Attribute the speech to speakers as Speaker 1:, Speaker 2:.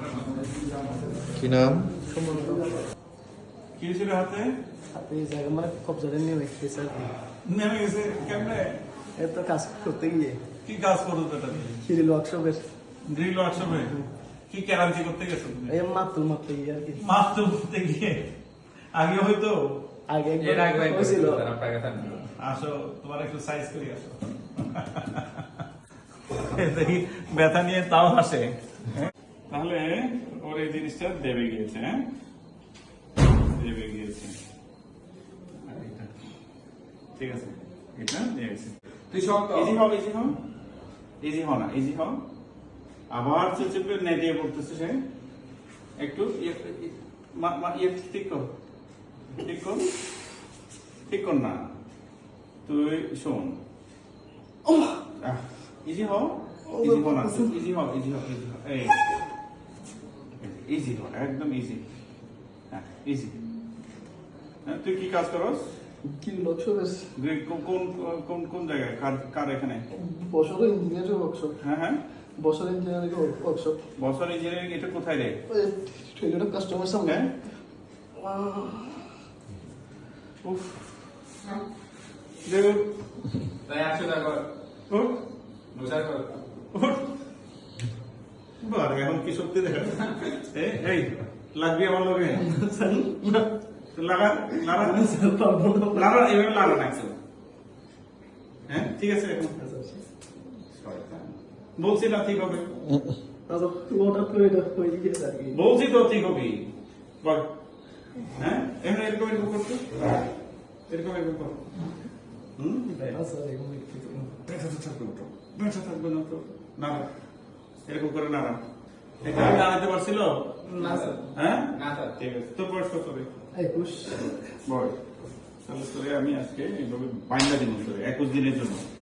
Speaker 1: কি নাম?
Speaker 2: কি ছিল হাতে?
Speaker 3: হাতে জায়গা মানে কবজাটা নেমে গেছে আর কি।
Speaker 2: নেমে গেছে কেমনে?
Speaker 3: এত কাজ করতে গিয়ে
Speaker 2: কি কাজ করতো এটা?
Speaker 3: সিরিল ওয়ার্কশপের
Speaker 2: ড্রিল ওয়ার্কশপে কি কেরাঞ্চি করতে গেছো তুমি?
Speaker 3: এই মারতে গিয়ে আর কি।
Speaker 2: মাছ করতে গিয়ে আগে হয়তো
Speaker 3: আগে একবার হয়েছিল।
Speaker 2: আসো তোমার একটু সাইজ করি আসো। দেখি ব্যথা নিয়ে তাও আসে। তাহলে ওর এই জিনিসটা দেবে গিয়েছে, হ্যাঁ দেবে গিয়েছে। আর এটা ঠিক আছে, এটা দিয়ে গেছে।
Speaker 1: তুই সব
Speaker 2: ইজি হও, ইজি হও, ইজি হও না, ইজি হও। আবার চেপে নেটিয়ে পড়তেছে সে। একটু ঠিক কর, ঠিক কর, ঠিক কর না। তুই শোন, ইজি হও, ইজি হও না, ইজি হও, ইজি হও, ইজি হও, এই ইজি হও, একদম ইজি। হ্যাঁ ইজি। তুই কি কাজ করস?
Speaker 3: কি ওয়ার্কশপের
Speaker 2: কোন কোন কোন জায়গায়? কার এখানে?
Speaker 3: বছর ইঞ্জিনিয়ারিং ওয়ার্কশপ।
Speaker 2: হ্যাঁ হ্যাঁ,
Speaker 3: বছর ইঞ্জিনিয়ারিং ওয়ার্কশপ।
Speaker 2: বছর ইঞ্জিনিয়ারিং। এটা কোথায় রে?
Speaker 3: ট্রেডার কাস্টমার সামনে।
Speaker 2: হ্যাঁ উফ, দেখুন
Speaker 1: তাই 100 টাকা কর।
Speaker 2: উঠ,
Speaker 1: বোঝা কর।
Speaker 2: উঠ। বারে এখন কি শক্তি দেখা? এই লাগবি আমার লগে? লাগা লাগা লাগা, এভাবে লাগা লাগছে। হ্যাঁ ঠিক আছে, এখন বলছি না ঠিক হবে,
Speaker 3: হঠাৎ করে এটা হয়ে গিয়েছে আর কি।
Speaker 2: বলছি তো ঠিক হবে। বল হ্যাঁ, এমনি এরকম এরকম করতো, এরকম এরকম কর। ব্যথা তো থাকবে তো, ব্যথা থাকবে না তো, না এরকম করে না। এটা আমি দাঁড়াতে পারছিল
Speaker 1: না স্যার।
Speaker 2: হ্যাঁ
Speaker 1: না স্যার।
Speaker 2: ঠিক আছে। তোর বয়স কত রে?
Speaker 3: 21।
Speaker 2: বয়স তাহলে তোরে আমি আজকে এইভাবে বাইন্দা দিন 21 দিনের জন্য।